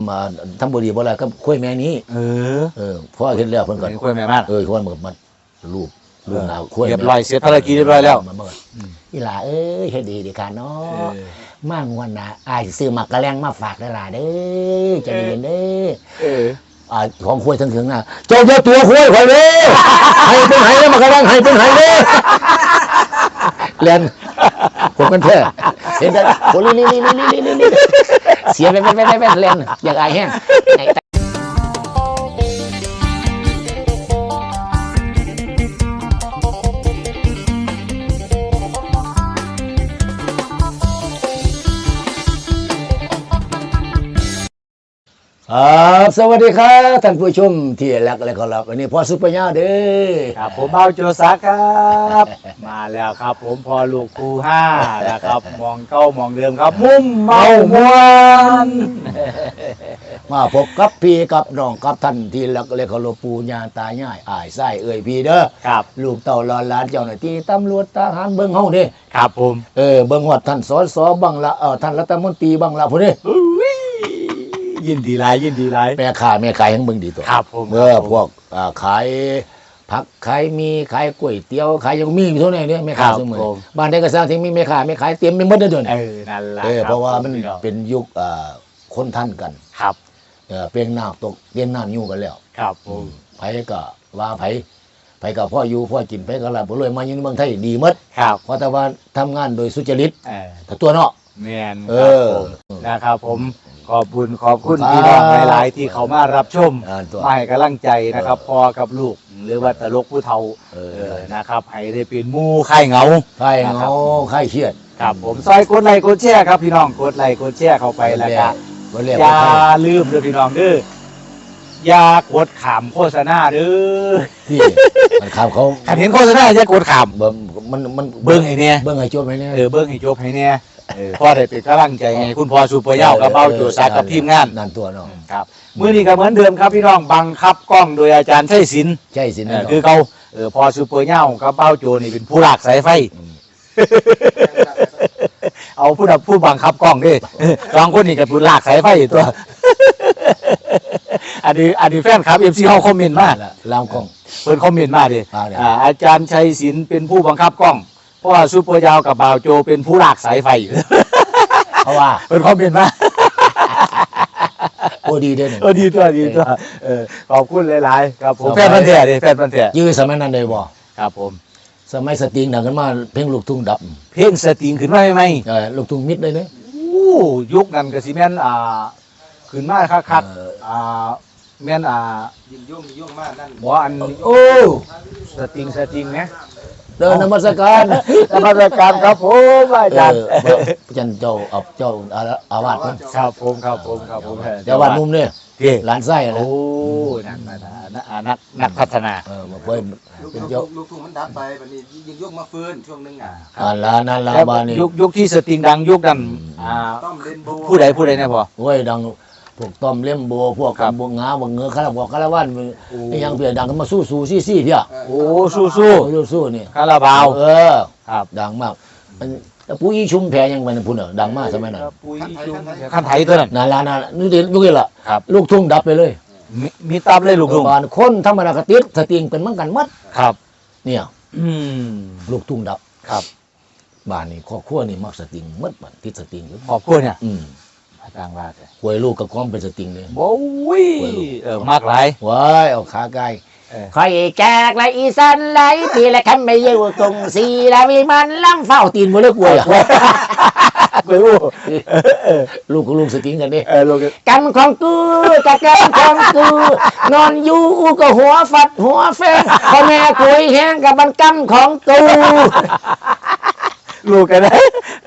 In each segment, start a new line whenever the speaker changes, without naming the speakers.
มาทำบุรีบ่อะไรก็คุยแม่นี้พ่อเห็นแล้วเพิ่นก่อน
คุยแม่มาก
คนมันรูปหนาวคุย
เรียบร้อยเสร็จภารกิจเรียบร้อยแล้ว
อีหล่าเฮ็ดดีค่ะเนาะมางวันน่ะอ้ายซื้อหมักกะแลงมาฝากได้ล่ะเด้อใจเย็นเด้อของคุยถึงน่ะเจ้าตัวคุยข่อยเด้ให้เป็นไห้แล้วหมักกะแลงให้เป็นไห้เด้แลนผมกันแท้เห็นแต่โอ้นี่เสียไปแลนอยากอายแห้งสวัสดีครับท่านผู้ชมที่รักและเคารพวันนี้พ่อซุปเปอร์ย่าเด้อ
ครับผมเบาโจซักครับมาแล้วครับผมพอลูกครู5นะครับมองเก้ามองเดิมครับมุ้มเมามวน
มาพบกับพี่กับน้องกับท่านที่รักและเคารพปู่ย่าตายายอ้ายไส้พี่เด้อ
ครับ
ลูกเต่าหลานเจ้าหน้าที่ตำรวจทหารเบิ่งเฮาเด้
ครับผม
เบิ่งฮอดท่านสสบังละท่านรัฐมนตรีบังละพุ่นเด้
ยินดีหลาย
แม่ขายให้เบิ่งดีตัว
ครับผม
พวกขายผักขายมีขายก๋วยเตี๋ยวขายยังมีอยู่เท่าไหร่เนี่ยแม่ค้าเสมอบ้านใดก็สร้างที่มีแม่ค้าเตรียมไปหมดเลยเดี๋ยวนี้
นั่นแหละ
เพราะว่ามันเป็นยุคคนท่านกัน
ครับ
เปลี่ยนน้ำตกเปลี่ยนน้ำอยู่กันแล้ว
ครับผม
ไผก็ว่าไผก็พ่ออยู่พ่อกินไผก็ลาบ่รวยมาอยู่ในเมืองไทยดีหมด
ครับ
เพราะแต่ว่าทำงานโดยสุจริต
ถ้
าตัวเนาะ
แม่นนะครับผมขอบคุณพี่น้องหลายๆที่เขามารับชมมาให้กำลังใจนะครับพ่อกับลูกหรือว่าตลกผู้เฒ่านะครับให้ได้เป็นหมู่ค่ายเหงา
ค่ายเครียด
ครับผมซอยกดไลค์กดแชร์ครับพี่น้องกดไลค์กดแชร์เข้าไปแล้วก็อย่าลืมเด้อพี่น้องเด้ออย่ากดขามโฆษณาเด้อ
ที่มันขามเขา
เห็นโฆษณาอย่ากดขาม
มัน
เบิ่งให้แน่
เบิ่งให้จบให้แน่
เบิ่งให้จบให้แน่พ่อได้เป็นกำลังใจให้คุณพ่อซุปเปอร์ย่ากับเบาโจซักกับทีมงาน
นั่นตัวน้อง
ครับมื้อนี้ก็เหมือนเดิมครับพี่น้องบังคับกล้องโดยอาจารย์ชัยศิลป์คือเขาพ่อซุปเปอร์ย่ากับเบาโจนี่เป็นผู้ลากสายไฟเอาผู้บังคับกล้องดิสองคนนี่กับผู้ลากสายไฟตัวอันนี้แฟนครับ FC เฮาคอมเมนต์มา
ลามกล้อง
เพิ่นคอมเมนต์มาดิอาจารย์ชัยศิลป์เป็นผู้บังคับกล้องเพราะว่าซุปเปอร์ยาวกับบ่าวโจเป็นผู้ลากสายไฟ
เพราะว่า
เป็นคอมเมนต์มา
โอ้ดีด้วย
ดีตัวขอบคุณหลายๆครับผมแฟนพันธุ์แท้ดิแฟนพันธุ์แท้
ยื้อสมัยนั้นได้บ่
ครับผม
สมัยสตริงดังขึ้นมาเพลงลูกทุ่งดับ
เพลงสตริงขึ้นมาใหม่
ลูกทุ่งมิดเลยเนี่ย
ยุคนั้นก็สิแม่นขึ้นมาคักแม่น
ยิ่งยุ่งมากนั่น
บ่อัน
โอ้
สตริงนะ
เดินนมัสการ
ครับผมอาจารย์
เจ้าอาวาส
ครับผม
เจ้าวาดนุ่มเนี่ยหลานไส้
โอ้นักพัฒนา
มาเพิ่ม
เป็นลูกทุ่งมันดับไปวันนี้ยิ่งยุ่งมาฟื้นช่วงนึง
นั่นละบ้านนี้
ยุคที่สตริงดังยุคนั้นผู้ใดเนี่ยพอ
โอ้ยดังพวกต้อมเล่มโบพวกกับบวงงาบวงเงือคาราบอกคาราวันยังเปลี่ยนดังกันมาสู้ซี่เพี้ย
โอ้สู้
นี่
คาราบาว
ครับดังมากปุ้ยชุมแพยังเป็นผู้ดังมากสมัยนั้น
ปุ้ยชุมขั้นไทยตัวนั้น
นั่นนี่ยุคนี้ล่ะลูกทุ่งดับไปเลย
มีตับเลยลูกทุ่ง
บ้านคนธรรมดากติดสติงเป็นเหมือนกันมัด
ครับ
เนี่ยลูกทุ่งดับ
ครับ
บ้านนี้ครอบครัวนี่มักสติงมัดบ้านติดสติง
ครอบครัวเนี่ยต่างว่า
หวยลูกกับความเป็นสติงเลย
โอ้ยมากหลาย
ว้ายเอาขาไกลคอยแจกไรอีสันไรปีละคันไม่ยืดตรงสีละวิมันล้ำเฝ้าตีนมือเลือกหวยลูกกับลูกสติงกันดิกันของกูกับกันของกูนอนอยู่กับหัวฟัดหัวแฟงพ่อแม่คุยแห้งกับมันกำของกู
ลูกกันได้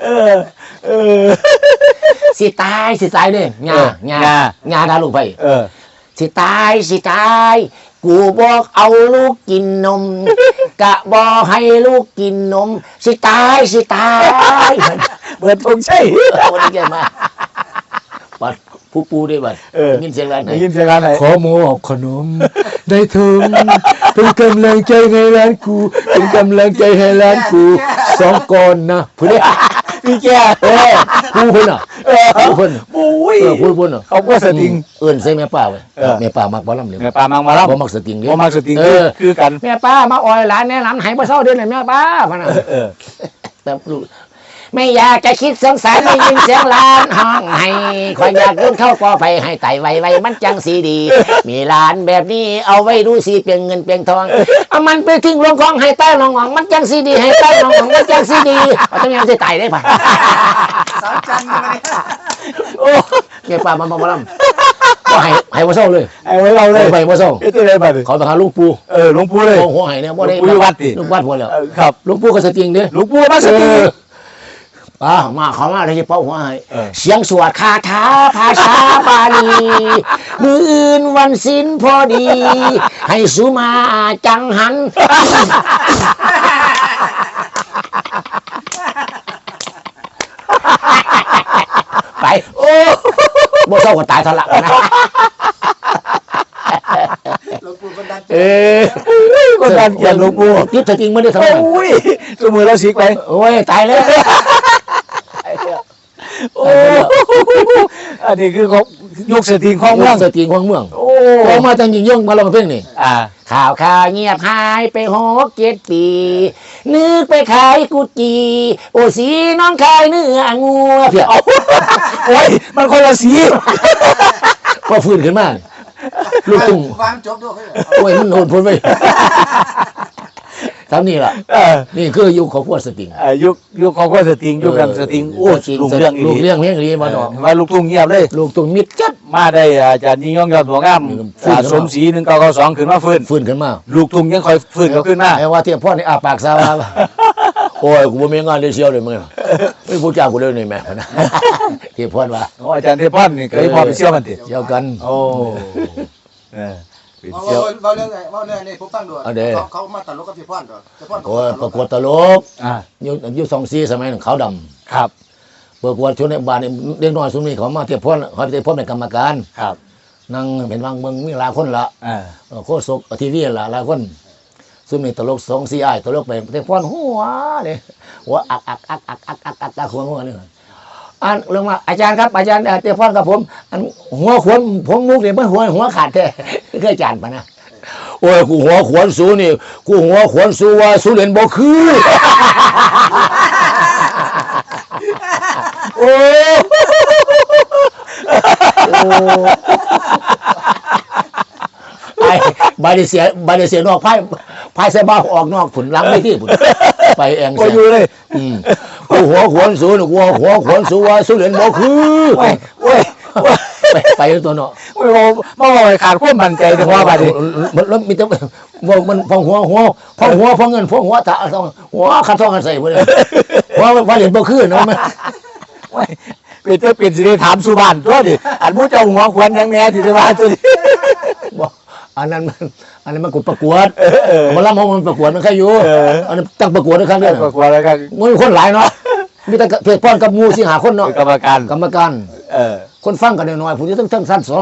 สิตายเนี่ยงาทาลูกไปสิตายกูบอกเอาลูกกินนมกะบอกให้ลูกกินนมสิตาย
เบิดทงใช่
วันนี้แกมาบัดผู้ปูได้บัดยินเสียงร้านไหนขอหมูอบขนมได้ถึงเป็นกำลังใจให้ร้านกูเป็นกำลังใจให้ร้านกู2 ก้อนนะผู้นี้
พี่แก
กูคนน่ะผู้เพิ่น
ปุ้ย
ผู้เพิ่น
เขาก็สติง
เอิ้นใส่แม่ป้าไว้
เออ
แม่ป้ามักบ่ลำเลย
แม่ปลามังมาแล้ว
บ่มักสติงเด้
บ่มักสติง
เออ
คือกัน
แม่ป้ามาอ้อยหลานแนะนำให้บ่เศร้าเดือนเลยแม่ป้าพะนะ
เออ
แต่ลูกไม่อยากจะคิดสงสารได้ยินเสียงหลานห้องให้คอยอยากยุ่นเข้ากอไฟให้ไต่ไวๆมันจังสีดี มีหลานแบบนี้เอาไว้ดูสิเปลี่ยนเงินเปลี่ยนทองเอามันไปทิ้งลงคลองให้ใต้ลงหองมันจังสีดีให้ใต้ลงหองมันจังสีดีเอาต้องยังจะไต่ได้ป่ะ
สาวจันทร์มาเนี่ย
โอ้
แม่ป้ามันบ่ลำก็ให้บ่เศร้าเลย
ไอ้ไว้เราเลย
ไปบ่เศร้า
เอ๊ะตัวไหนบัดนี้
เขาไปหาลูกปู่
หลวงปู่เลย
โอ้โหให้เนี่ยบ่ได้
หลวงปู่วัดดิ
ลูกวัดพุ่นแล้ว
ครับ
ลูกปู่ก็สติงเด้
หลวงปู่มาสติง
มาเขามาเลยจะเป้าหัวให้
เออ
เสียงสวดคาถาภาษาบาลีมืออื่นวันศิลพอดี ให้สุมาจังหัน ไปโอ้บ่เศร้าก็ตายทะละนะ
หลวงปู่บันดาล
เออ
คนดันเกียรติหลวงปู่
ยึดสติงไม่ได้ทำไม
โอ้ยจมือเราสิกไป
โอ้ยตายแล้ว
โอ้อันนี้คือของยกสติงของเมือง
สติงของเมือง
โอ้
ออกมาจังยิงย่องมาลองเพลงนี่
อ่า
ข่าวเงียบหายไป6-7 ปี นึกไปขายกุจีโอสีน้องขายเนื้องัวเพีย
โอ้ยมันคนละสี
ก็ฟื้นขึ้นมาลูกตุ้ง
วางจบด้วย
โอ้ยมันโหดพ้นไปทำนี่ล่ะ
เออ
นี่คือยุคของพวกสติง
ยุคของคนสติงยุคกันสติงโอ้ยลุงเรื่องอี
ลูก
ก
เรื่องเลี้ยงดีมาดอก
มาลูกทุ่งเงียบเลย
ลูกตุ้งมิดจัด
มาได้อาจารย์ยิ่งยงยอดหัวงาม
ฟื้น
สมศรี1992ขึ้นมาฟื้น
ฟื้นขึ้นมา
ลูกทุ่งยังคอยฟื้นเขาขึ้นมา
ไอ้ว่าเทียบพ่อนี่อาปากซาว่าโอ้ยกูบ่มีงานได้เชียวเลยมึงไม่พูดจากูเลยนี่แม่นะเทียบพ่อว่า
โอ้อาจารย์เทพพรนี่เคยพอไปเชี่ยวมันติ
เชียวกัน
โอ้เออไป
ว่า
เชี่ยว
ว่าเรื่องไงว่าเรื่องนี้ผมฟังด้วยเขามาตัดรถกับพี่พ่อนด้วยพี่พ่อน
โอ้ยประกวดตลก
อ่า
ยุค24 สมัยนั้นขาวดำ
ครับ
ประกวดชนในบ้านนี่เด็กน้อยสุนี้เขามาเทียบพ่อเขาเทียบพ่อเป็นกรรมการ
ครับ
นั่งเป็นบางเมืองมีหลายคนละ
อ่า
โคศกทีวีละหลายคนซุมนี่ตลก2-4อ้ายตลกไปเทียบพ่อหัวนี่หัวอักหัวนี่อันเรื่องว่าอาจารย์ครับอาจารย์เทียบพ่อกับผมอันหัวขวนผมมุกเนี่ยมันหัวขาดแท้เคยอาจารย์ปะนะโอ้ยกูหัวขวนสูนี่กูหัวขวนสูว่าสูเรียนบ่คือโอ้ไปบาดเสียนอกพายเสบ้าออกนอกผุนล้างไม่ที่ผุนไปเอง
ก็อยู่เลย
กูหัวขวนสูนี่กูหัวขวนสูว่าสูเรียนบ่คือ
โอ้ยโอ้ย
ไปตัวเนาะ
โอ้ยมาบอกให้ขาดความมั่นใจแต่ว่าบัดนี้
มันมีแต่มันพองหัวพองเงินพองหัวตาต้องหัวขัดทองกันใส่หมดเลยว่าเรียนบ่คือเนาะมัน
โอ้ยเป็นสิได้ถามสุบานตัวดิอันมู้เจ้าหัวควรยังแหน่ที่จะว่าตัวนี้
บอกอันนั้นมันประกวดมันรับมันประกวดมันแค่อยู่อันนั้นตั้งประกวดด้วยครับเนี่ย
ประกวดแล้วกัน
มันคนหลายเนาะมีแต่เพจป้อนกับมูสิหาคนเนาะ
เป็นกรรมการ
กรรมการ
เออ
คนฟังกันน้อยๆผู้ที่ทั้งสั้น2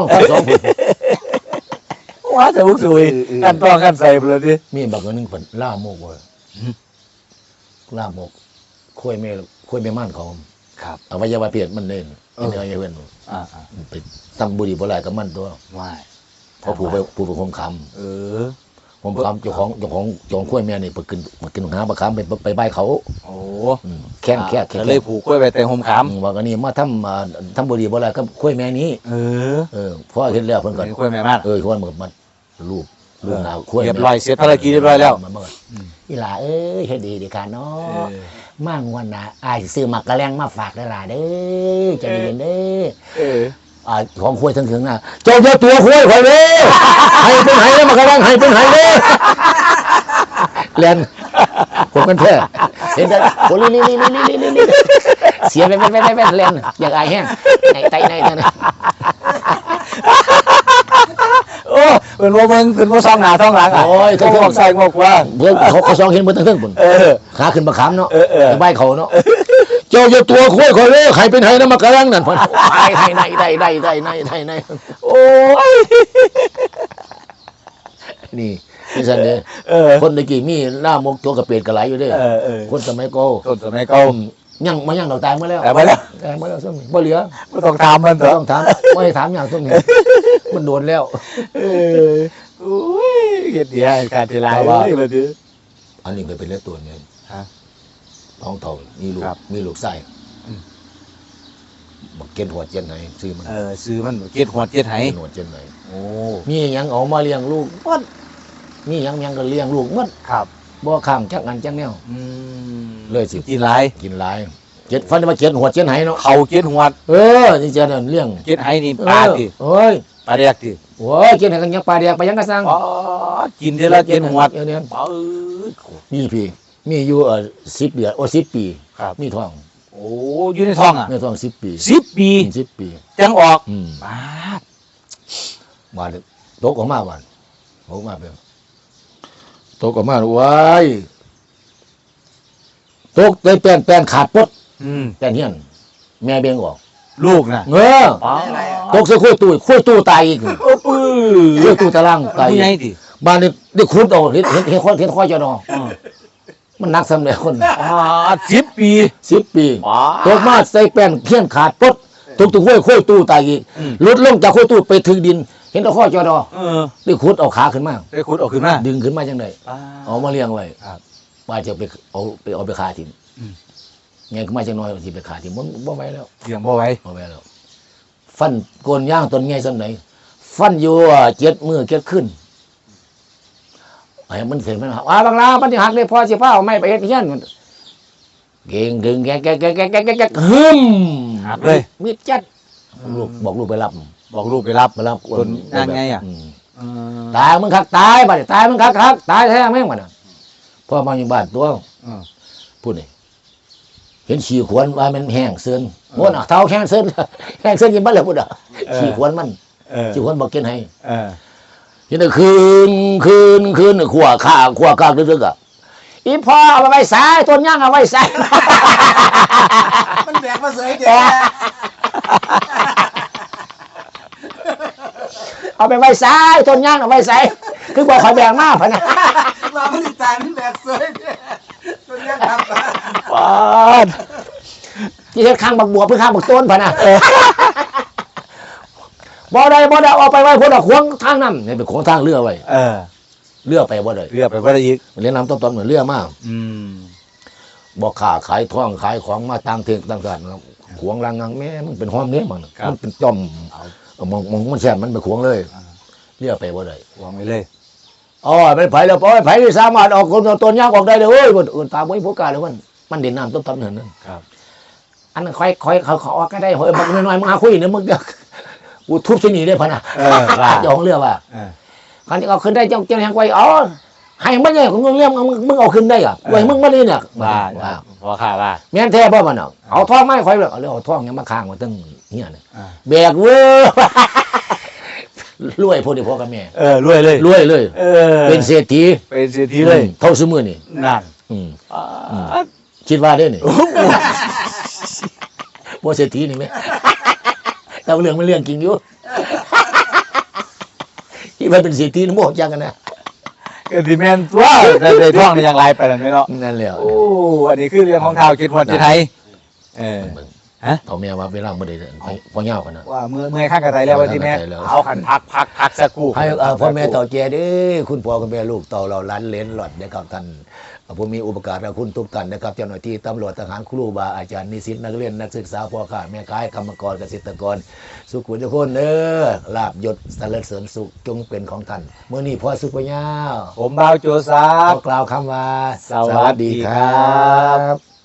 ว่าจะบุกซุยกันต้องกันใส่ไปเลยดิ
มีบักนึงเพิ่นล่าโมกเว้ยล่าโมกคุยไม่มั่นของ
ครับ
อวัยวะเพศมันเล่นเนื้อเพื่อน
อ่า
ไปตั้งบุหรี่บ่หลายกับมันตัว
ว่าย
เพราะผู้ไปคมค
เออ
ำผมคำเจ้าของข้วยแม่นี่ไปกินหาบะคำไปใบเขา
โอ้
แข้ง
ก็เลยผูกกล้วยไปแต่ห่มขาม
ว่ากันนี่มาทำบุหรี่บ่หลายกับข้วยแม่นี้
เออ
เพราะเห็นแล้วเพิ่นก่อน
เป็นกล้วยแม่มาก
คนเหมือนมันรูปหนาวข้วย
เรียบร้อยเสร็จภารกิจเรียบร้อยแล้ว
อีหล่าเอ้ยเฮ็ดดีดีค่ะเนาะมางวันน่ะอายซื้อหมักกะแลงมาฝากได้ล่ะเด้อใจเย็นเด้อ
เออ
ของคุยถึงน่ะเจ้าตัวคุยข่อยเด้อให้เป็นไห้แล้วมากระวังให้เป็นไห้เด้อเรียนผมกันแท้เห็นได้โอ้ลิเสียไปเรียนอยากอายแห้งไตนั่น
โอ้เป็นว่ามึงเป็นว่าซองหน้าท้องหลังอ่ะ
โอ้ย
เขาบอกใส่บอกว่า
เพื่อเขาซองเห็นบนทั้งปุ่น
เออ
ขาขึ้นมาขามเนาะ
เออ
ใบเขาเนาะเจ้าตัวคุยข่อยเด้อใครเป็นไห้แล้วมากระวังนั่นพ่นไห้ใน
โอ้ย
นี่นี่สันเด้
เออ
คนตะกี้มีล่ามกตัวกระเปียดกระไหลอยู่เด้
เออ
คนสมัยก่อน
ต้นสมัยเก่า
ยังมายังเราตายเมื่อแล้ว
แต่ไปแล้ว
ตายเมื่อแล้วซึ่งบ่เหลือ
ไม่ต้องถามมันเถ
บ่
อะ
ต้องถามไม่ให้ถามอย่างซึ่งนี่มันโดนแล้ว
โอ้ยเฮ็ดดีให้การเวลาเลยดิ
อันนี้เคยเป็นเลือดตัวเนี่ย
ฮะ
ท้องเท่ามีลูก
ครับ
มีลูกไส้
อืม
บักเกณฑ์หัวเจนไหนซื้อมัน
ซื้อมันเก็ดหัวเก็ดไห
เกณฑ์หัวเจนไหน
โอ้
มีหยังเอามาเลี้ยงลูกหมดมีหยังก็เลี้ยงลูกหมด
ครับ
บ่ข้ามจักอันจักแนว เลยสิ
กินหลาย
กินหลายเจ็ดฟันมาเจ็ดหัวเจ็ดไหเนาะ
เขาเก็ดหัว
นี่เจนเลี้ยง
เก็ดไหนี่ปลาติ
เอ้ย
ปลาแดกติ
โอ้ยเจ็ดไหกันยังปลาแดกไปยังกระซัง
อ๋อกินเดือนละเก็ดหัว
เนี่ย
เอ้ย
มีพี่มีอยู่10 เดือน10 ปี
ครับ
มีท้อง
โอ้อยู่ในท้องอ่ะ
มีท้อง10 ปี
10 ปี
10 ปี
จังออก
บ
ป้าด
มาตกออกมาบ้านตกออกมาเป็นตกออกมาว้ายตกได้แป้นขาดปดแป้นเฮียนแม่เบี้ยงออก
ลูกน่ะ
เงอ
อ๋อ
ตกใส่คุยตู้ตายอีก
โอ้ปื้
คุยตู้ตะล่างตาย
ผู้ใหญ่ติ
บ้านนี่ได้ขุดเอาเห็นข้อจะนอมันนักสำเร็จคน
10 ปี
10 ปี
ป้า
ตกมาใส่แป้นเฮียนขาดปดตกคุยตู้ตายอีกหลุดลงจากคุยตู้ไปถึงดิน เห็นข้อจะนอได้ขุดเอาขาขึ้นมา
ได้ขุดออกขึ้นมา
ดึงขึ้นมาจังได
ป้า
เอามาเลี้ยงไว้
ครับ
ว่าจะไปเอาไปขายทิ้งไงก็มาจังน้อยสิไปขายทิ้งมันบ่ไหวแล้ว
เลี้ยงบ่ไหว
บ่ไหวแล้ว ฟันโกนย่างต้นไงสำไหนฟันอยู่7 มื้อ7 คืนไอ้มันเสร็จมันบางลามันสิหักเลยพอสิพาเอาไม้ไปเฮ็ดเฮียนมันเก่งดึงแกฮึม
หักเลย
มีดจัดลูกบอกลูกไปรับ
บอกลูกไปรับ
มารับ
ต้นย่างไงอะ
ตายมึงคักตายบัดนี้ตายมึงคักตายแท้แม่งมันน่ะพ่อมาอยู่บ้านตัวพูดนี่เห็นฉี่ขวนว่ามันแห้งเสือนโง่น่ะเท้าแห้งเสือนแห้งเสือนกินบ้านเลยพูดอ่ะฉี่ขวนมันฉี่ขวนบอกกินให้เห็นแต่คืนขวข้าลึกๆอ่ะอีพ่อเอาไปไว้สายต้นย่างเอาไว้สาย
มันแบกมาเสยเด็ก
เอาไปไว้สายต้นย่างเอาไว้สายคือบอกคอยแบกมากพะนะ
มามันตายมันแบกเสยตัวนี้ครับ
ป้าด
ที่เฮ็ดข้างบักบัวเพื่อข้างบักต้นพะนะบ่ได้เอาไปไว้คนละขวงทางนั้นนี่เป็นขวงทางเรือไว้เรือไปบ่ได้
เรือไปบ่ได้อีก
เรียนน้ำต้นเหมือนเรือมาก
อืม
บอกขาขายท่องขายของมาต่างเทงต่างกันครับขวงรังงังแม่มันเป็นห้อมเนี้ยมันเป็นจอมมองมันแช่มันเป็นขวงเลยเรือไปบ่ได้
วางไว้เลย
อ๋อไปไผแล้วไผที่สามารถออกคนต้นยางออกได้เลยเว้ยอื่นตามไว้พวกกาเลยมันเด่นน้ำต้นนั่น
ครับ
อันนั้นค่อยเขาออกก็ได้เฮ้ยบักน้อยๆมึงหาคุยเนี่ยมึงกูทุบที่นี่ได้พะนะเจ้าของเรือว่าคราวนี้เอาขึ้นได้เจ้าแห่งไว้อ๋อให้มันเนี่ยของมึงเรื่องมึงเอาขึ้นได้อ่ะไว้มึงมานี่เนี่ย
ว่าพอข่าว่า
แม่นแท้ป่ะมันเอาท่องไม้ค่อยเลยเอาท่องยังมาค้างมาตั้งเนี่ยแบกเว้ยรวยพวกนี้พ่อกับแม่
รวยเลย
รวยเลยเป็นเศรษฐี
เป็นเศรษฐีเลย
เท่าสมือนี่
นั่น
คิดว่าได้นี่บ่เศรษฐีนี่ไหมแต่เรื่องมันเรื่องจริงอยู่คิดว่าเป็นเศรษฐีนี่โมกจังกันนะ
ก็สิแม่นตัวได้ท่องได้อย่างไรไปนั่นไหมเนาะ
นั่นแหละ
โอ้อันนี้คือเรื่องของเท้าคิดหัวที่ไทย
เขาแม่ว่าเวลาบ่ได้พอเหี่ยวกันนะ
ว่าเมื่อข้างกระไตแล้วว่าที่แม่เอาขันพักสักครู่
ให้พ่อแม่ต่อแจเด้คุณพ่อคุณแม่ลูกต่อเราล้านเลนหลอดนะครับท่านผู้มีอุปการะคุณทุกท่านนะครับเจ้าหน้าที่ตำรวจทหารครูบาอาจารย์นิสิตนักเรียนนักศึกษาพ่อข้าแม่ค้ากรรมกรเกษตรกรสุขุทุกคนเด้อลาบยศสรรเสริญสุขจงเป็นของท่านเมื่อนี้พ่อสุขปัญญา
ผมบ่าวโจซา
ขอกล่าวคำว่า
สวัสดีครับ